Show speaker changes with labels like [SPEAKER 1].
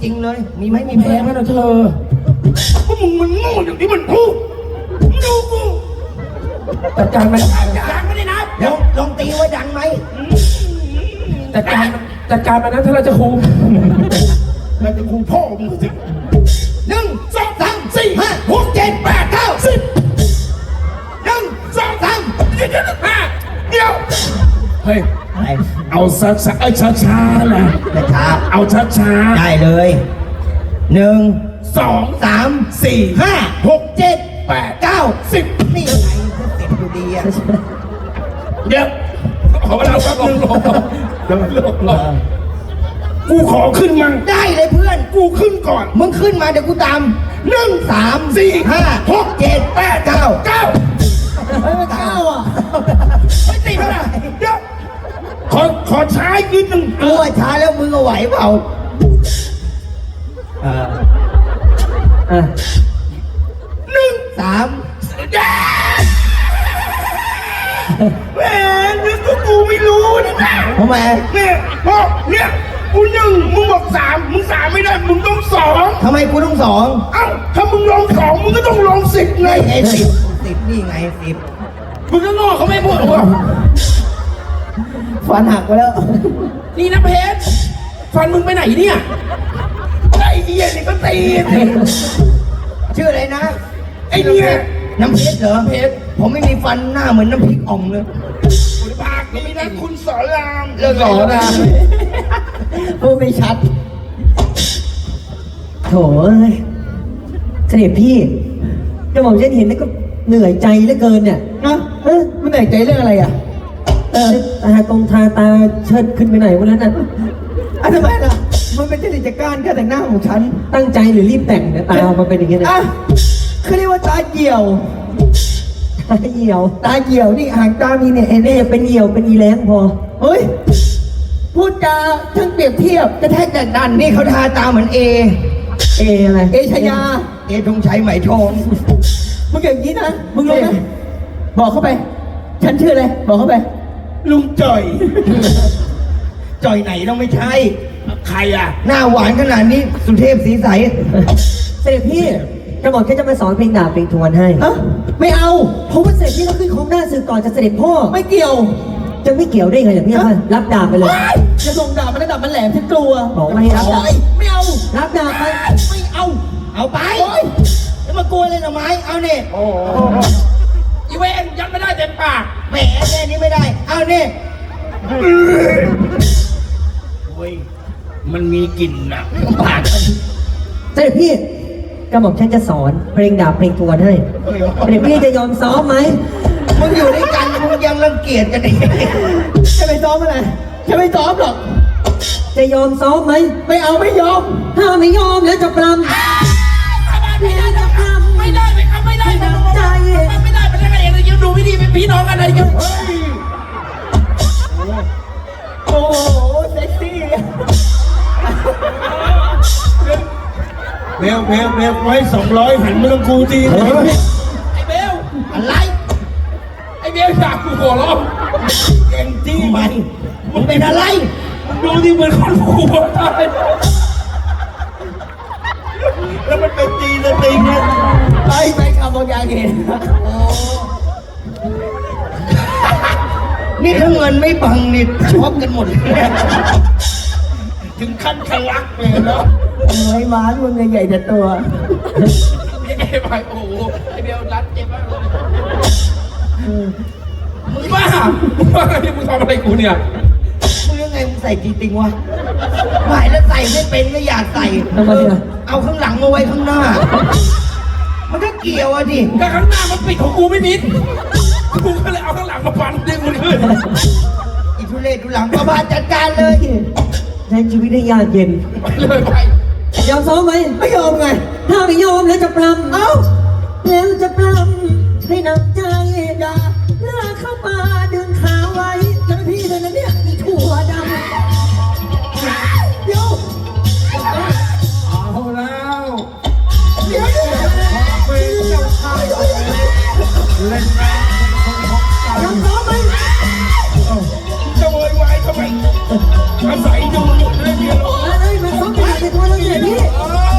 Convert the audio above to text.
[SPEAKER 1] ริงๆเลยมีไหมมีแพ้
[SPEAKER 2] แพ้
[SPEAKER 1] ไหม
[SPEAKER 2] ไหมนะเธอก็มึงมันโง่อย่างที่มันพูดมึงดูกูจัดการมัน
[SPEAKER 1] ยังไม่ได้นับลองตีไว้ดังไหม
[SPEAKER 2] จัดการมันนะถ้าเราจะคุมเราจะคุมพ่อมึงสิ
[SPEAKER 1] 1 2 3 4 5 6 7 8 9 10 1 2 3
[SPEAKER 2] เดี๋ยวเฮ้ยเอาช้าช้าๆนะ
[SPEAKER 1] ช้า
[SPEAKER 2] เอาช้าช้า
[SPEAKER 1] ได้เลย1 2 3 4 5 6 7 8 9 10นี่ยังไงก็10อยู่ดีอ่ะ
[SPEAKER 2] เดี๋ยวขอเวลาแป๊บนึงลงกูขอขึ้นมั่ง
[SPEAKER 1] ได้เลยเพื่อน
[SPEAKER 2] กูขึ้นก่อน
[SPEAKER 1] มึงขึ้นมาเดี๋ยวกูตาม1 3 4 5 6 7 8 9
[SPEAKER 2] 9
[SPEAKER 1] 9อ่ะ
[SPEAKER 2] ไม่ติดนะเดี๋ยวขอช้าอีกนิดนึง
[SPEAKER 1] กูว่าช้าแล้วมึงเอาไหวเปล่า1 3
[SPEAKER 2] แหมนึกว่ากูไม่รู้นี่นะ
[SPEAKER 1] ทำไม
[SPEAKER 2] เนี่ยเพราะเนี่ยกู1มึงบอก3มึง3ไม่ได้มึงต้อง2
[SPEAKER 1] ทำไมกูต้อง2
[SPEAKER 2] เอ้าถ้ามึงลง2มึงก็ต้องลง10ไง
[SPEAKER 1] ไง10นี่ไง10
[SPEAKER 2] มึงก็งอเขาไม่พูดหรอ
[SPEAKER 1] ฟันหักไปแล้ว
[SPEAKER 2] นี่นะเพชรฟันมึงไปไหนเนี่ยไอ้เหี้ยนี่ก็ตีสิ
[SPEAKER 1] ชื่ออะไรนะ
[SPEAKER 2] ไอ้เนี่ย
[SPEAKER 1] น้ำเพชรเหรอ
[SPEAKER 2] เพชร
[SPEAKER 1] ผมไม่มีฟันหน้าเหมือนน้ำพริกอ่องเลย
[SPEAKER 2] คุณภาคนี้นะคุณสอนราม
[SPEAKER 1] เลิกสอนนะ พูดไม่ชัด
[SPEAKER 3] โถเอ้ยเสด็จพี่กระหม่อมฉันเห็นแล้วก็เหนื่อยใจเหลือเกินเนี่ยนะ
[SPEAKER 1] มันเหนื่อยใจเรื่องอะไรอ่ะ
[SPEAKER 3] ตาตรงทาตาเชิดขึ้นไปไหนวันนั้นน่ะ
[SPEAKER 1] ทำไมล่ะ มันเป็นจริตจักรการแต่งหน้าของฉัน
[SPEAKER 3] ตั้งใจหรือรีบแต่งเนี่ยตาออกมาเป็นอย่างเงี้ยนะ
[SPEAKER 1] เขาเรียกว่าตาเหี่ยว
[SPEAKER 3] ตาเหี่ยว
[SPEAKER 1] ตาเหี่ยวนี่หางตามีเนี่ยเห็นไหม
[SPEAKER 3] นี่เป็นเหี่ยวเป็นอีแรงพอ
[SPEAKER 1] เฮ้ย พูดจาทั้งเปรียบเทียบกระแทกดันนี่เขาทาตาเหมือนเอ
[SPEAKER 3] อะไร
[SPEAKER 1] เอชยา เอธงชัยไหมทองมึงอย่างนี้นะ มึงรู้ไหมบอกเข้าไป ฉันชื่ออะไร บอกเข้าไป
[SPEAKER 2] ลุงจ่อย
[SPEAKER 1] จ่อยไหนต้องไม่ใช่
[SPEAKER 2] ใครอ่ะ
[SPEAKER 1] หน้าหวานขนาดนี้ สุเทพสีใส
[SPEAKER 3] เสด็จพี่กระหม่อมฉันจะมาสอนเพลงดาบเพลงทวนให้
[SPEAKER 1] ไม่เอา
[SPEAKER 3] เพราะว่าเสด็จพี่ต้องขึ้นของหน้าสื่อก่อนจะเสด็จพ่อ
[SPEAKER 1] ไม่เกี่ยว
[SPEAKER 3] จะไม่เกี่ยวได้ไงเนี่ยพี่ว่ารับดาบไปเลย
[SPEAKER 1] จะส่งดาบมันระดับมันแหลมฉันกลัว
[SPEAKER 3] บอกไม่ให้รับดาบ
[SPEAKER 1] ไม่เอา
[SPEAKER 3] รับดาบไป
[SPEAKER 1] ไม่เอา เอาไปจะมากลัวเลยหน่อไม้ เอาเนี่ย
[SPEAKER 2] โอ้อีเวนยัดไม่ได้เต็มปาก
[SPEAKER 1] แหมแค่นี้ไม่ได้ เอาเนี่ย
[SPEAKER 2] เว้ยมันมีกลิ่นอ่ะปาก
[SPEAKER 3] เสด็จพี่กระหม่อมฉันจะสอนเพลงดาบเพลงทวนให้เสด็จพี่จะยอมซ้อมไหม
[SPEAKER 1] มึงอยู่ด้วยกันมึงยังรังเกียจกันอีกจะไปซ้อมอะไรจะไม่ซ้อมหรอก
[SPEAKER 3] จะยอมซ้อมไหม
[SPEAKER 1] ไม่เอาไม่ยอม
[SPEAKER 3] ถ้าไม่ยอมแล้วจะปรำ
[SPEAKER 2] ไม่ได้ไม่ได้ไม่ได้ไม่ได้ไม่ได้ไม่ได้เลยยังดูไม่ดีเป็นพี่น้องกันอะไรกัน
[SPEAKER 1] โอ้โหเซ็กซี่
[SPEAKER 2] เบลไว้200หันมาตรงกูทีไอ้เบล
[SPEAKER 1] อะไร
[SPEAKER 2] ไอ้เบลอยากกูหัวเราะเก่งจี้มัน
[SPEAKER 1] มึงเป็นอะไร
[SPEAKER 2] ดูที่เหมือนคนหัวตายแล้วมันเป็นตีสติงเนี่ย
[SPEAKER 1] ไปขับบางอย่างเห็นนี่ถ้าเงินไม่บังนี่ช็อกกันหมดเลย
[SPEAKER 2] ถึงขั้นทะลักเลยเนาะ
[SPEAKER 1] ไอ้ม้ามึงใหญ่แต่ตัว
[SPEAKER 2] ไอ้ไปโอ้โหไอ้เบลรัดเจ็บมากเลยมึงบ้าไงมึงทำอะไรกูเนี่ย
[SPEAKER 1] มึงยังไงมึงใส่จริงๆวะหมายแล้วใส่ไม่เป็นก็อยากใส่
[SPEAKER 3] ทำไมอ่ะ
[SPEAKER 1] เอาข้างหลังมาไว้ข้างหน้า มันก็เกี่ยวอะดิ
[SPEAKER 2] ก็ข้างหน้ามันปิดของกูไม่มิดกูก็เลยเอาข้างหลังมาฟันดึงมันขึ้น
[SPEAKER 1] อีทุเรศดูหลังประบาจัดการเลย
[SPEAKER 3] ใช้ชีวิตให้ยากเย็น
[SPEAKER 2] ไปเลยไป
[SPEAKER 3] ยอมซ้อมไหม
[SPEAKER 1] ไม่ยอมไง
[SPEAKER 3] ถ้าไม่ยอมแล้วจะปรำ
[SPEAKER 1] เอ้า
[SPEAKER 3] แล้วจะปรำให้หนักใจอย่าเลือกเข้ามาดึงขาไว้